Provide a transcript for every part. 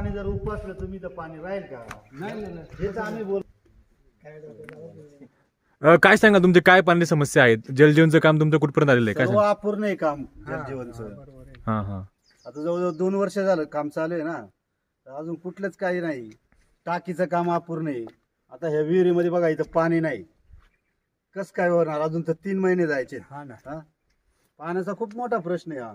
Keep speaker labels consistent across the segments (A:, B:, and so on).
A: पाणी जर उपसलं तुम्ही तर पाणी राहील का? नाही, हेच आम्ही बोल.
B: काय सांगा तुमचे काय पाणी समस्या आहेत? जलजीवनचं काम तुमचं कुठपर्यंत आलेलं आहे? काय
A: सर्व
B: सांगा?
A: अपूर्ण आहे काम जलजीवनचं.
B: हां हां.
A: आता जवळजवळ 2 वर्ष झालं काम चालू आहे ना, तर अजून कुठलंच काही नाही. टाकीचं काम अपूर्ण आहे. आता ह्या विहिरीमध्ये बघा इथं पाणी नाही, कस काय होणार? अजून तर 3 महिने जायचे. हा, पाण्याचा खूप मोठा प्रश्न आहे हा.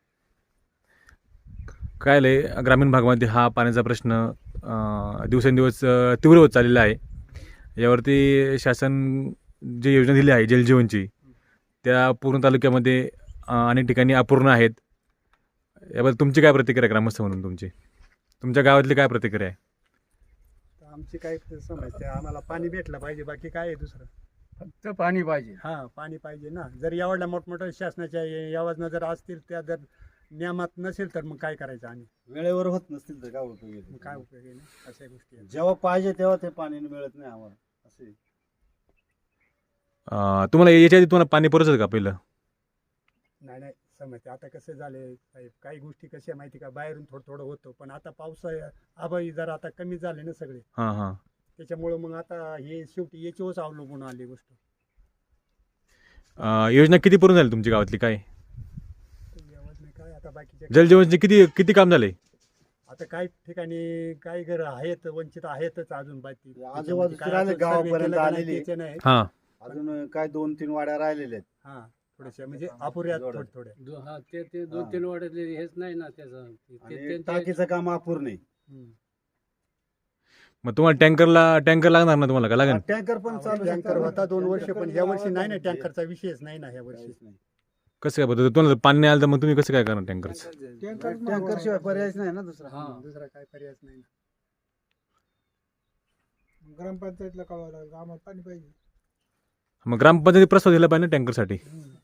B: काय लय ग्रामीण भागामध्ये हा पाण्याचा प्रश्न दिवसेंदिवस तीव्र होत चाललेला आहे. यावरती शासन जी योजना दिली आहे जलजीवनची, त्या पूर्ण तालुक्यामध्ये अनेक ठिकाणी अपूर्ण आहेत. याबद्दल तुमची काय प्रतिक्रिया आहे ग्रामस्थ म्हणून? तुमच्या गावातली काय प्रतिक्रिया आहे?
C: आमची काय समस्या, आम्हाला पाणी भेटलं पाहिजे, बाकी काय आहे दुसरं?
A: फक्त पाणी पाहिजे.
C: हा, पाणी पाहिजे ना. जर एवढ्या मोठमोठ्या शासनाच्या योजना जर असतील, त्या जर नियमात नसेल तर मग काय करायचं? आणि
A: वेळेवर होत नसतील तर काय उपयोग
C: मग
A: आहे?
C: काय उपयोग आहे ना? अशा गोष्टी आहेत.
A: जेव्हा पाहिजे तेव्हा ते पाणी मिळत नाही आम्हाला असे.
B: तुम्हाला याच्या आधी तुम्हाला पाणी पुरवत का पहिलं?
C: नाही नाही, समस्या आता कसं झाले साहेब, काही गोष्टी कशा माहिती का, बाहेरून थोडं थोडं होतं, पण आता पावसा आभाळी जरा आता कमी झाले ना सगळे,
B: हां हां.
C: त्याच्यामुळं मग आता हे शेवटी याच्यावरच अवलंबून आली गोष्ट.
B: योजना किती पूर्ण झाली तुमच्या गावातली? काय
C: योजना काय आता बाकीच्या
B: जलजीवनचे किती किती काम झाले?
C: आता काही ठिकाणी काही घर आहेत, वंचित आहेतच अजून बाकी.
A: आजूबाजूचे
C: काय
A: राहिले,
C: असं सर्वे
A: गावापर्यंत
C: केलं का नाही
A: आलेली.
C: त्याचं नाही.
B: हां.
A: अजून काय 2-3 वाड्या राहिलेल्या आहेत.
C: हा, थोडेसे म्हणजे अपुऱ्या थोड्या थोड्या.
D: ते 2-3 वाड्यातले हेच नाही ना त्याचं.
A: आणि टाकीचं काम अपूर्ण आहे.
C: हम्म.
B: मग तुम्हाला टँकर लागणार ना? तुम्हाला का लागेल?
A: टँकर पण चालू
C: टँकर होता 2 वर्ष, पण ह्या वर्षी नाही ना, टँकरचा विषयच नाही ना ह्या वर्षी.
B: कसं काय बघतो? तुम्हाला पाणी नाही आलं तर मग तुम्ही कसं काय करणार टँकरचं?
A: टँकर शिवाय पर्यायच नाही ना दुसरा.
C: दुसरा काय पर्यायच नाही ना.
E: ग्रामपंचायतला कळवावं लागलं आम्हाला पाणी पाहिजे.
B: मग ग्रामपंचायती प्रस्ताव दिला पाहिजे ना टँकरसाठी.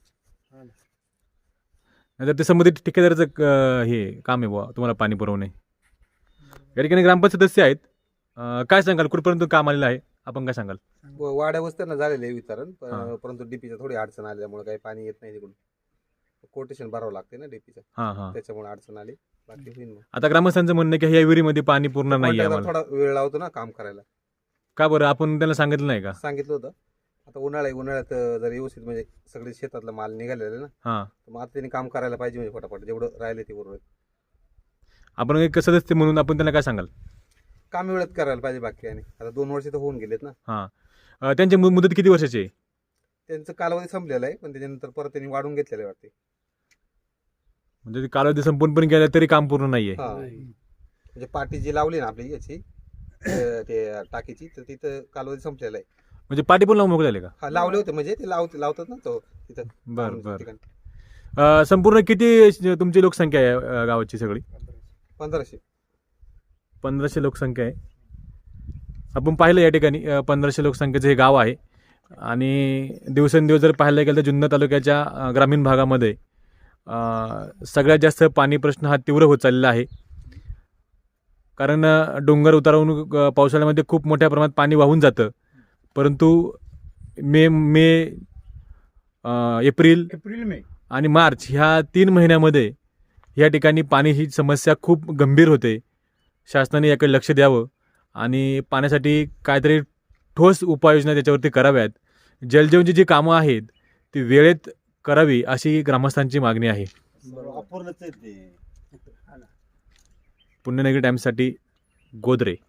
B: नाहीतर ते संबंधित ठेकेदाराचं हे काम आहे बुवा तुम्हाला पाणी पुरवणे. या ठिकाणी ग्रामपंचायत सदस्य आहेत. काय सांगाल? कुठपर्यंत काम आलेलं आहे? आपण काय सांगाल?
F: वाड्या वस्त्यांना झालेलं आहे वितरण, परंतु डीपीच्या थोडी अडचण आल्यामुळे काही पाणी येत नाही तिकडून. कोटेशन भरावं लागते ना डीपीचं,
B: हां हां.
F: त्याच्यामुळे अडचण आली. बाकी होईल मग.
B: आता ग्रामस्थांचं म्हणणं आहे की ह्या विहिरीमध्ये पाणी पूर्ण नाही आहे
F: कॉन्ट्रॅक्टर
B: आम्हाला.
F: थोडा वेळ लावतो ना काम करायला.
B: का बरं? आपण त्यांना सांगितलं नाही का?
F: सांगितलं होतं. आता उन्हाळ्यात जर व्यवस्थित म्हणजे सगळे शेतातला माल निघालेला आहे ना,
B: हां.
F: तर मग आता त्यांनी काम करायला पाहिजे म्हणजे फटाफट जेवढं राहिले ते बरोबर.
B: आपण एक सदस्य म्हणून आपण त्यांना काय सांगाल?
F: काम वेळेत करायला पाहिजे बाकी. आणि आता 2 वर्ष तर होऊन गेलेत ना.
B: हां. त्यांची मुदत किती वर्षाची आहे?
F: त्यांचं कालावधी संपलेला आहे, पण त्याच्यानंतर परत त्यांनी वाढून घेतलेलं आहे वाटते.
B: म्हणजे ते कालावधी संपून पण गेला तरी काम पूर्ण नाहीये.
F: हा, म्हणजे पाटी जी लावली ना आपली याची ते टाकीची, तर तिथं कालावधी संपलेला आहे.
B: म्हणजे पाठी पण लावून मोकळे झाले का?
F: हा, लावले होते म्हणजे ते लावतात ना तो तिथं.
B: बरं बरं.
F: ठिकाणी.
B: संपूर्ण किती तुमची लोकसंख्या आहे गावाची सगळी?
F: 1500.
B: 1500 लोकसंख्या आहे. आपण पाहिलं या ठिकाणी 1500 लोकसंख्येचं हे गाव आहे. आणि दिवसेंदिवस जर पाहायला गेलं तर जुन्नर तालुक्याच्या ग्रामीण भागामध्ये सगळ्यात जास्त पाणी प्रश्न हा तीव्र होत चाललेला आहे. कारण डोंगर उतारावरून पावसाळ्यामध्ये खूप मोठ्या प्रमाणात पाणी वाहून जातं, परंतु एप्रिल
A: मे
B: आणि मार्च ह्या 3 महिन्यामध्ये या ठिकाणी पाणी ही समस्या खूप गंभीर होते. शासनाने याकडे लक्ष द्यावं आणि पाण्यासाठी काहीतरी ठोस उपाययोजना त्याच्यावरती कराव्यात. जलजीवनची जी कामं आहेत ती वेळेत करावी अशी ग्रामस्थांची मागणी आहे.
A: अपूर्णच आहे ते.
B: पुण्यनगरी टाइम्ससाठी गोदरे.